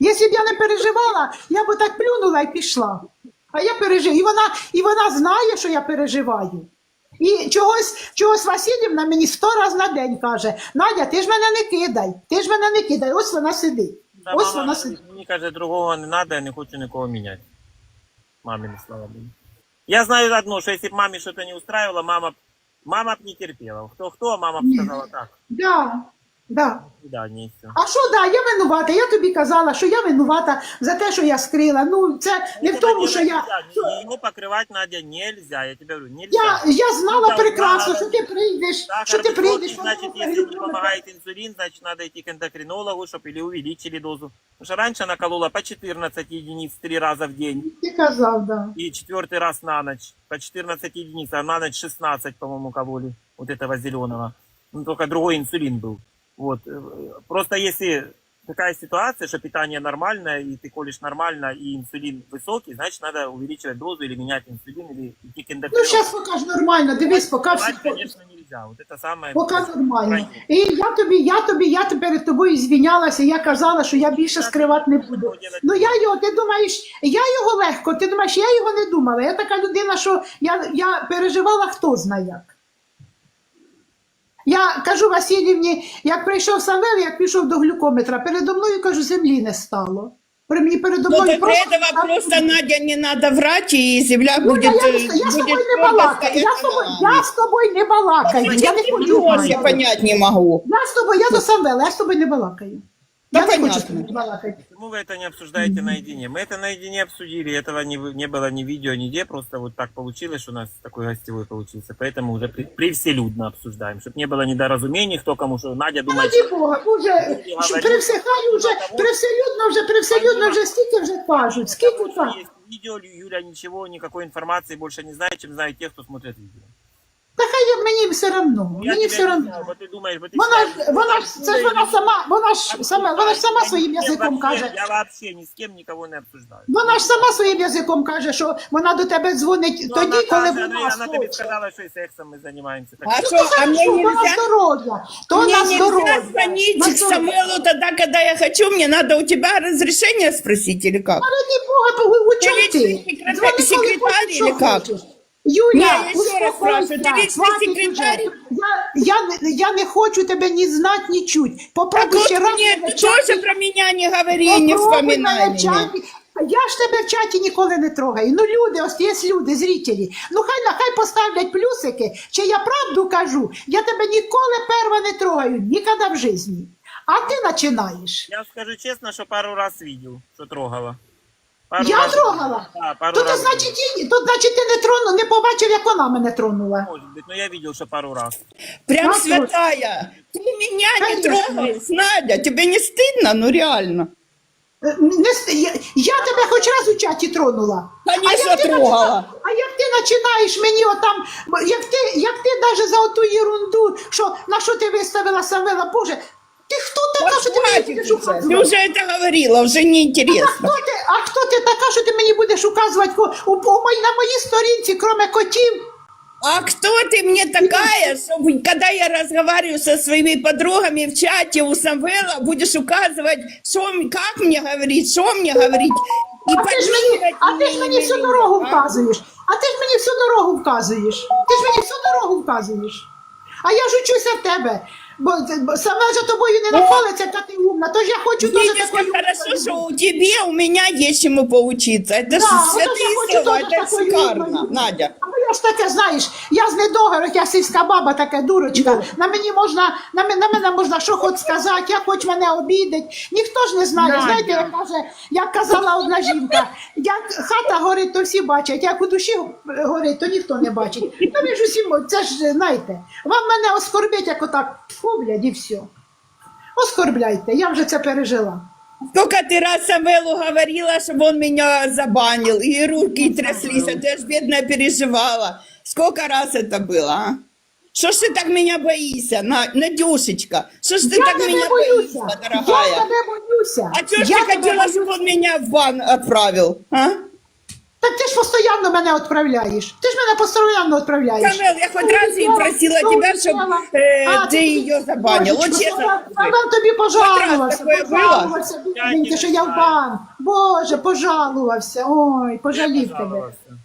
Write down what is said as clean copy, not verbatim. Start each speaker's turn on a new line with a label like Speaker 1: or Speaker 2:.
Speaker 1: Якщо б я не переживала, я б так плюнула і пішла. А я переживаю. І вона знає, що я переживаю. І чогось Васильівна мені 100 разів на день каже: Надя, ти ж мене не кидай, ти ж мене не кидай. Ось вона сидить.
Speaker 2: Да,
Speaker 1: Ось
Speaker 2: мама,
Speaker 1: вона сидить.
Speaker 2: мені каже, другого не треба, я не хочу нікого міняти. Мамі не слава Богу. Я знаю одно, що якщо б мамі щось не устраивало, мама б не терпела. Хто, а мама б сказала так.
Speaker 1: Да, да.
Speaker 2: Да, не все.
Speaker 1: А що, да, я винувата. Я тобі казала, що я винувата за те, що я скрила. Ну, це не в тому, що я...
Speaker 2: Его покрывать, Надя, нельзя. Я тебе говорю, нельзя.
Speaker 1: Я знала
Speaker 2: Ну,
Speaker 1: прекрасно,
Speaker 2: да,
Speaker 1: що ти прийдеш,
Speaker 2: Сахар
Speaker 1: що ти
Speaker 2: высокий,
Speaker 1: прийдеш.
Speaker 2: значит, если не помогает инсулин, значит, надо идти к эндокринологу, чтобы или увеличили дозу. Потому что раньше она колола по 14 единиц 3 раза в день.
Speaker 1: Ти казав, да.
Speaker 2: И 4-й раз на ночь. По 14 единиц, а на ночь 16, по-моему, кололи. Вот этого зеленого. Ну, только другой инсулин был. Вот. Просто если такая ситуация, что питание нормальное, и ты колешь нормально, и инсулин высокий, значит, надо увеличивать дозу или менять инсулин, или идти к
Speaker 1: Ну,
Speaker 2: эндокринологу.
Speaker 1: зараз поки ж нормально, дивись, поки всі...
Speaker 2: Давать, конечно, нельзя. Вот это самое...
Speaker 1: Поки нормально. І я перед тобою звінялася, я казала, що я більше скривати не буду. Ну ти думаєш, я його легко, ти думаєш, я його не думала. Я така людина, що я переживала, хто знає як. Я кажу Васильівні, як прийшов Самвел, як пішов до глюкометра, передо мною, кажу, землі не стало. Передо
Speaker 3: Но
Speaker 1: мною
Speaker 3: до этого просто, Надя, не надо врать, и земля
Speaker 1: Ну,
Speaker 3: будет...
Speaker 1: я з тобою не балакаю, я з тобою не балакаю, я не хочу
Speaker 3: Я
Speaker 1: балакати.
Speaker 3: понять не могу.
Speaker 1: Я до Самвела, я з тобою не балакаю.
Speaker 3: Да
Speaker 1: Я не хочу з
Speaker 3: понятно.
Speaker 1: тобою балакати.
Speaker 2: Почему вы это не обсуждаете наедине? Мы это наедине обсудили, этого не было ни видео, нигде, просто вот так получилось, что у нас такой гостевой получился. Поэтому уже привселюдно обсуждаем, чтобы не было недоразумений, кто кому что. Надя думает,
Speaker 1: Раді Бога, уже привселюдно вже стільки вже кажуть, скільки
Speaker 2: что
Speaker 1: кажуть.
Speaker 2: есть видео, Юля ничего, никакой информации больше не знает, чем знают те, кто смотрит видео.
Speaker 1: Та хай мені все одно,
Speaker 2: Я
Speaker 1: мені
Speaker 2: тебя
Speaker 1: все
Speaker 2: не
Speaker 1: одно.
Speaker 2: знаю, вот ты думаешь, вот ты
Speaker 1: Вона ж сама своїм язиком каже.
Speaker 2: Я вообще ни с кем никого не обсуждаю.
Speaker 1: Вона ж сама своїм язиком каже, що вона до тебе дзвонить
Speaker 2: Ну,
Speaker 1: тоді, коли
Speaker 2: вона
Speaker 1: вона
Speaker 2: тобі
Speaker 1: хоче.
Speaker 2: сказала, що і сексом ми займаємося. Так,
Speaker 3: А
Speaker 1: Ну,
Speaker 3: что,
Speaker 1: то
Speaker 3: а мне
Speaker 1: хорошо, то на
Speaker 3: нельзя?
Speaker 1: здоров'я, то
Speaker 3: Мне
Speaker 1: на
Speaker 3: нельзя
Speaker 1: здоров'я.
Speaker 3: звонить
Speaker 1: На
Speaker 3: к
Speaker 1: здоров'я.
Speaker 3: Самвелу тогда, когда я хочу. Мне надо у тебя разрешение спросить или как?
Speaker 1: Раді Бога, у чому
Speaker 3: Ти
Speaker 1: ти?
Speaker 3: лічний
Speaker 1: Дзвони, коли
Speaker 3: секретар
Speaker 1: хочеш, що
Speaker 3: или как?
Speaker 1: хочеш. Юля,
Speaker 3: Ні, я ще раз
Speaker 1: успокойся,
Speaker 3: спрашиваю, ти лічний
Speaker 1: хватить
Speaker 3: секретар?
Speaker 1: уже. Я не хочу тебе ні знати, ні чуть.
Speaker 3: Так
Speaker 1: Попробуй
Speaker 3: вот
Speaker 1: ще раз.
Speaker 3: мне
Speaker 1: мене
Speaker 3: ты
Speaker 1: в чаті-
Speaker 3: тоже про меня не говори, не
Speaker 1: попробуй
Speaker 3: вспоминай
Speaker 1: мене в
Speaker 3: меня.
Speaker 1: чаті. Я ж тебе в чаті ніколи не трогаю. Ну люди, ось є люди, зрителі. Ну хай поставлять плюсики, чи я правду кажу. Я тебе ніколи перва не трогаю, ніколи в житті. А ти починаєш.
Speaker 2: я скажу чесно, що пару раз видел, що трогала. Пару
Speaker 1: Я
Speaker 2: раз-
Speaker 1: трогала?
Speaker 2: Да, пару
Speaker 1: Тут,
Speaker 2: раз.
Speaker 1: значить, ти не тронув, не побачив, як вона мене тронула.
Speaker 2: Может быть, но я видел, что пару раз.
Speaker 3: Прям
Speaker 1: Надя.
Speaker 3: святая. Ты меня не
Speaker 1: Конечно.
Speaker 3: трогаешь, Надя. Тебе не стыдно? Ну реально.
Speaker 1: Я тебе хоч раз у чаті тронула.
Speaker 3: Конечно,
Speaker 1: як ти
Speaker 3: трогала.
Speaker 1: А як ти починаєш мені отам, як ти навіть за оту ерунду, що на що ти виставила Самвела, Боже, ти хто така, що ти мені
Speaker 3: Хватит
Speaker 1: будеш
Speaker 3: уже.
Speaker 1: указувати?
Speaker 3: Ты уже это говорила, уже неинтересно.
Speaker 1: А хто ти така, що ти мені будеш указувати на моїй сторінці, крім котів?
Speaker 3: А кто ты мне такая, чтобы, когда я разговариваю со своими подругами в чате у Самвела, будешь указывать, как мне говорить, что мне говорить? И
Speaker 1: А ти ж мені всю дорогу вказуєш. Всю дорогу вказуєш. А я ж учуся в тебе. Бо саме за тобою не нахвалиться, та ти умна. Тож я хочу теж
Speaker 3: Видишь,
Speaker 1: такою
Speaker 3: как хорошо,
Speaker 1: умною
Speaker 3: что у тебя, у меня есть чему поучиться. Это же
Speaker 1: вот я
Speaker 3: святые
Speaker 1: хочу
Speaker 3: слова,
Speaker 1: тоже
Speaker 3: это
Speaker 1: такой
Speaker 3: шикарно,
Speaker 1: умной.
Speaker 3: Надя.
Speaker 1: А я ж таке, знаєш, я з недогарок, я сільська баба, така дурочка. На мене можна що хоч сказати, як хоч мене обідать. Ніхто ж не знає. Знаєте, як казала одна жінка, як хата горить, то всі бачать, як у душі горить, то ніхто не бачить. Ну ви ж усі, це ж, знаєте, вам мене оскорбить, як отак, тьфу, блядь, і все. Оскорбляйте, я вже це пережила.
Speaker 3: Сколько ты раз Самвелу говорила, чтобы он меня забанил, и руки тряслись, а ты ж бедная переживала. Сколько раз это было, а? Что ж ты так меня боишься, Надюшечка? Что ж ты
Speaker 1: Я
Speaker 3: так
Speaker 1: тебе
Speaker 3: меня
Speaker 1: боюся,
Speaker 3: боишься,
Speaker 1: я
Speaker 3: дорогая?
Speaker 1: тебе боюся.
Speaker 3: А что ж
Speaker 1: Я
Speaker 3: ты
Speaker 1: тебе
Speaker 3: хотела,
Speaker 1: боюся.
Speaker 3: чтобы он меня в бан отправил, а?
Speaker 1: Так ти ж постійно мене відправляєш. Ти ж мене постійно відправляєш.
Speaker 3: Самвел, я хоть раз не просила тебя, чтобы ты ее забанил. Вот честно.
Speaker 1: Самвел тобі пожалувався.
Speaker 3: Хоч раз таке
Speaker 1: Пожалувався, бідненький, що я в банк. Боже, пожалувався. Ой, пожалів тебе.
Speaker 2: Пожалуйста.